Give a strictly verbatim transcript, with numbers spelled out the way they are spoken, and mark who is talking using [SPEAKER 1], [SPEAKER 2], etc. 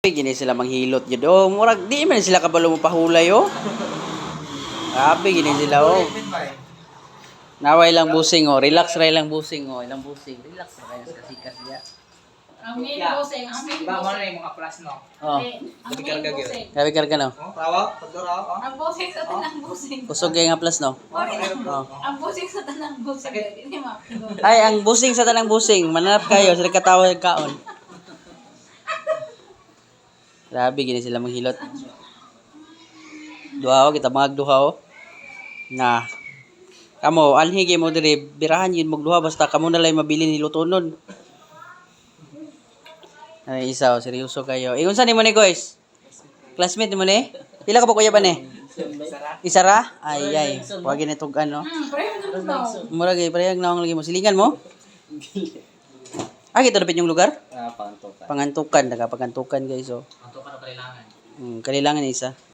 [SPEAKER 1] Gini sila manghilot jud. Oh, murag di man sila kabalo mo pahulay oh. Grabe gini sila oh. Naway lang busing oh. Relax ra lang busing oh. Ilang busing. Relax ra kay sa sikas dia.
[SPEAKER 2] Ang main busing, ang main
[SPEAKER 3] Ba mo na
[SPEAKER 2] busing.
[SPEAKER 3] yung mga plus no.
[SPEAKER 1] Oh.
[SPEAKER 2] Ang main busing.
[SPEAKER 1] Grabe karga no.
[SPEAKER 3] Oh, rawa, pagdura oh.
[SPEAKER 2] Ang busing sa tanang busing.
[SPEAKER 1] Kusog kay nga plus no.
[SPEAKER 2] Oh. Ang busing sa tanang busing. Hindi mapigol.
[SPEAKER 1] Ay, ang busing sa tanang busing. Mananap kayo sa katawa ng kaon. Grabe gini sila manghilot. Duha oh, kita mga duha oh. Na kamo anhi gyud mo diri birahan yun magduha basta kamo na lay mabili ni lutonon. Ay isa oh, seryoso kayo. Eh unsa nimo ni guys? Classmate mo ni? Pila ka ba kuya ba ni? Isa ra? Ay ay, wag ni tug ano.
[SPEAKER 2] Hmm, pero ano daw?
[SPEAKER 1] Mura gay parehag naong lagi mo silingan mo. Ah, kita dapat yung lugar?
[SPEAKER 3] Ah, pantukan.
[SPEAKER 1] Pangantukan, nagapagantukan guys oh.
[SPEAKER 3] Pantukan na kailangan.
[SPEAKER 1] Hmm, kailangan isa.